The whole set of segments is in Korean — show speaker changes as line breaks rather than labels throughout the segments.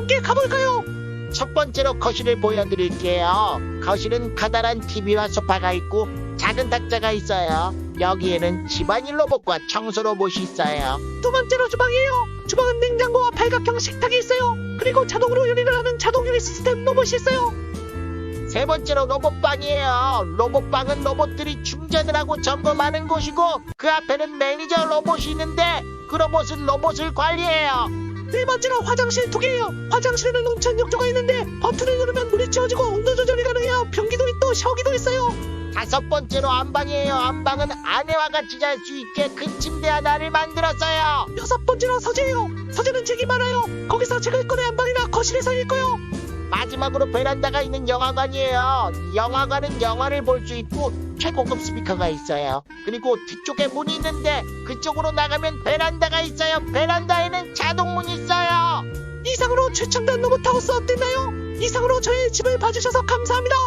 함께 가볼까요?
첫 번째로 거실을 보여드릴게요. 거실은 커다란 TV와 소파가 있고 작은 탁자가 있어요. 여기에는 집안일 로봇과 청소 로봇이 있어요.
두 번째로 주방이에요. 주방은 냉장고와 팔각형 식탁이 있어요. 그리고 자동으로 요리를 하는 자동 요리 시스템 로봇이 있어요.
세 번째로 로봇방이에요. 로봇방은 로봇들이 충전을 하고 점검하는 곳이고 그 앞에는 매니저 로봇이 있는데 그 로봇은 로봇을 관리해요.
네 번째로 화장실 두 개예요. 화장실에는 온천 욕조가 있는데 버튼을 누르면 물이 채워지고 온도 조절이 가능해요. 변기도 있고 샤워기도 있어요.
다섯 번째로 안방이에요. 안방은 아내와 같이 잘 수 있게 큰 침대 하나를 만들었어요.
여섯 번째로 서재예요. 서재는 책이 많아요. 거기서 책을 꺼내 안방이나 거실에서 읽고요.
마지막으로 베란다가 있는 영화관이에요. 영화관은 영화를 볼 수 있고 최고급 스피커가 있어요. 그리고 뒤쪽에 문이 있는데 그쪽으로 나가면 베란다가 있어요. 베란다에는 자동문이 있어요.
이상으로 최첨단 로봇하우스 어땠나요? 이상으로 저의 집을 봐주셔서 감사합니다.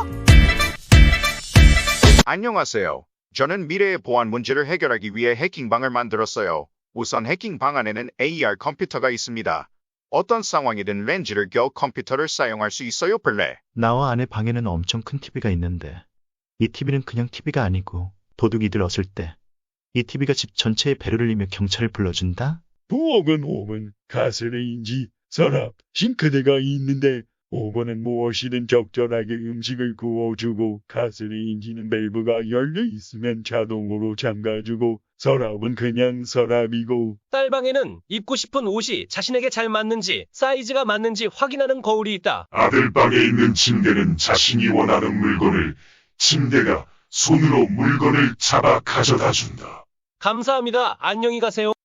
안녕하세요. 저는 미래의 보안 문제를 해결하기 위해 해킹방을 만들었어요. 우선 해킹방 안에는 AR 컴퓨터가 있습니다. 어떤 상황이든 렌즈를 껴 컴퓨터를 사용할 수 있어요, 플레.
나와 아내 방에는 엄청 큰 TV가 있는데 이 TV는 그냥 TV가 아니고 도둑이 들었을 때 이 TV가 집 전체에 배를 울리며 경찰을 불러준다?
부엌은 5번, 가스레인지, 서랍, 싱크대가 있는데 5번은 무엇이든 적절하게 음식을 구워주고 가스레인지는 밸브가 열려 있으면 자동으로 잠가주고 서랍은 그냥 서랍이고
딸방에는 입고 싶은 옷이 자신에게 잘 맞는지 사이즈가 맞는지 확인하는 거울이 있다.
아들 방에 있는 침대는 자신이 원하는 물건을 침대가 손으로 물건을 잡아 가져다 준다.
감사합니다. 안녕히 가세요.